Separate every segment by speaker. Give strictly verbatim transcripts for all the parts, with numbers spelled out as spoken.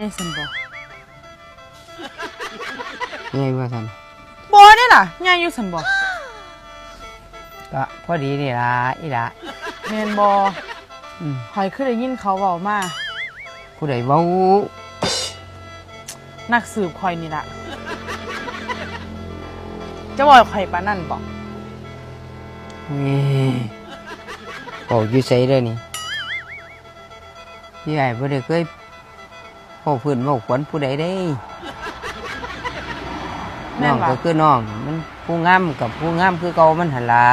Speaker 1: ได้สันบ่
Speaker 2: ไงว่าสัน
Speaker 1: บ่ได้ล่ะง่ายอยู่สันบ่
Speaker 2: ก็พอดีนี่ล่ะอีล่ะ
Speaker 1: แม่นบ่อืมข่อยคือได้ยินเขาเว้ามา
Speaker 2: ผู้ใดเว้า
Speaker 1: นักสืบข่อยนี่ล่ะจะบอกข่อยปานนั้นบ่
Speaker 2: นี่โอ้อยู่ไสเด้อนี่พี่ใหญ่บ่ได้เคยเว้าพื้นเว้าขวัญผู้ใดได้น้องก็คือน้องมันผู้งามกับผู้งามคือเก่ามันหั่นล่ะ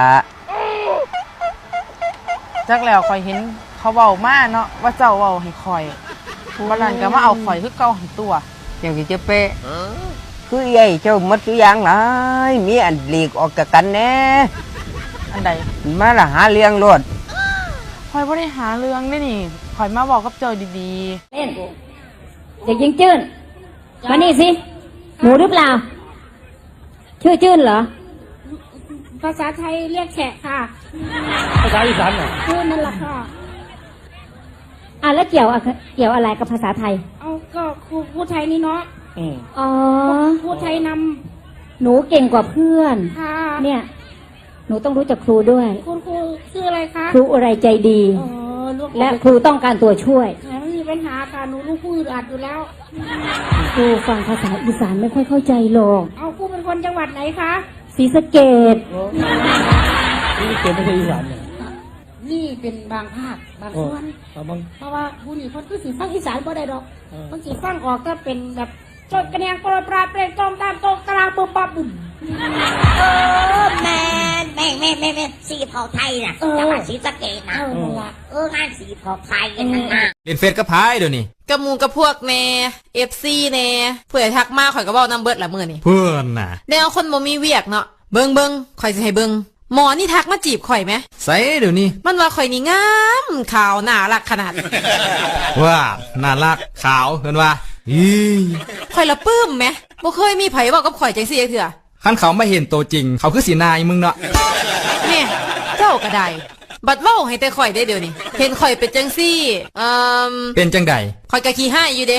Speaker 1: จักแล้วข่อยเห็นเขาเว้ามาเนาะว่าเจ้าเว้าให้ข่อยวันนั้นก็มาเอาข่อยคือเก่าหันตัว
Speaker 2: จังสิจะเป๊ะคือใหญ่เจ้ามัดตัวอย่างหลายมีอันหลีกออกจากกันแน่
Speaker 1: อันใด
Speaker 2: มาละหาเลี้ยงรถ
Speaker 1: ข่อยบ่ได้หาเรื่องได้นี่ข่อยมาบอกกับเจ้าดี
Speaker 3: ๆเล่นเด็กยิงจื้นมานี่สิหมูหรือเปล่าชื่อจื้นเหรอ
Speaker 4: ภาษาไทยเรียกแฉะค่ะ
Speaker 5: ภาษาอีสานเหรอ
Speaker 4: จื้นนั่นแหละค่ะ
Speaker 3: อ่ะแล้วเกี่ยวเกี่ยวอะไรกับภาษาไทย
Speaker 4: เอาก็ครูพูดไทยนี่เนาะ
Speaker 3: อ๋อ
Speaker 4: พูดไทยน
Speaker 3: ำหนูเก่งกว่าเพื่อนเนี่ยหนูต้องรู้จักครูด้วย
Speaker 4: คุณครูชื่ออะไรคะ
Speaker 3: ครูอะไรใจดีและครูต้องการตัวช่วย
Speaker 4: ไม่มีปัญหาค่ะหนูรู้พูดอัดอยู่แล้ว
Speaker 3: ครูฟังภาษาอีสานไม่ค่อยเข้าใจหรอก
Speaker 4: เอาครูเป็นคนจังหวัดไหนคะ
Speaker 3: ศรีสะเกษ
Speaker 5: ศรีสะเกษไม่ใช่อีสานเนี่ย
Speaker 4: นี่เป็นบางภาคบางส่วนเพราะว่าผู้นี่คนคือสีฟังอีสานบ่ได้ดอกมันสีฟังออกก็เป็นแบบจดกระเนียงโปรยปลาเปล่งจอมตามโตกระลาบุบปับบุ่ม
Speaker 6: เออแม่แม่แม่แม่แม่สีเผาไทยน่ะจังหวัดศรีสะเกษนะเอองานสีเผาไทยกันนะ
Speaker 7: เล่นเฟซกับพายเดี๋ยวนี้
Speaker 8: กับมูกับพวกแน่เอฟซีแน่เพื่อทักมาข่อยก็บอกน้ำเบิดละมือนี่
Speaker 7: เพื่อนน่ะ
Speaker 8: แนวคนบ่มีเวียกเนาะเบิงเบิงข่อยจะให้เบิงหมอนี่ทักมาจีบข่อยไหม
Speaker 7: ใส่เดี๋ยวนี้
Speaker 8: มันว่าข่อยนี่งามขาวน่ารักขนาด
Speaker 7: ว่าน่ารักขาวเห็นว่าอี
Speaker 8: ข่อยละปื้มไหมบ่เคยมีไผบอกกับข่อยจังซี่เถื่อ
Speaker 7: ขั้นเขาไม่เห็นตัวจริงเขาคือสีนายมึงเนาะ
Speaker 8: เนี่ยเจ้าก็ได้บัดเว้าให้แต่ข่อยได้เดี๋ยวนี้เห็นข่อยเป็นจังซี่เอ่อ
Speaker 7: เป็นจังใด
Speaker 8: ข่อยก็ขี้ห้ายอยู่เด้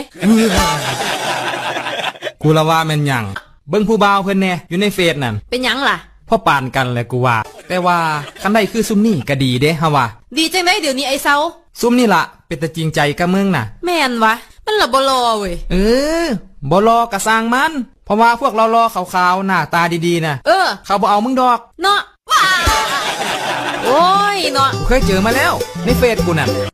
Speaker 7: กูละว่าแม่นหยังเบิ่งผู้บ่าวเพิ่นแน่อยู่ในเฟซนั่น
Speaker 8: เป็นหยังล่ะ
Speaker 7: พ่อปานกันแหละกูว่าแต่ว่าคันใดคือซุมนี่ก็ดีเด้ฮะว่า
Speaker 8: ดีจังได้เดี๋ยวนี้ไอ้เซา
Speaker 7: ซุมนี่ล่ะเป็นตาจริงใจกับมึงน่ะ
Speaker 8: แม่นวะมันละบ่รอเว้ย
Speaker 7: เออบ่รอกะสร้างมันเพราะว่าพวกเรารอขาวๆหน้าตาดีๆน่ะ
Speaker 8: เออ
Speaker 7: เขาบ่เอามึงดอก
Speaker 8: เนาะโอ้ยเนาะ
Speaker 7: กูเคยเจอมาแล้วในเฟซกูน่ะ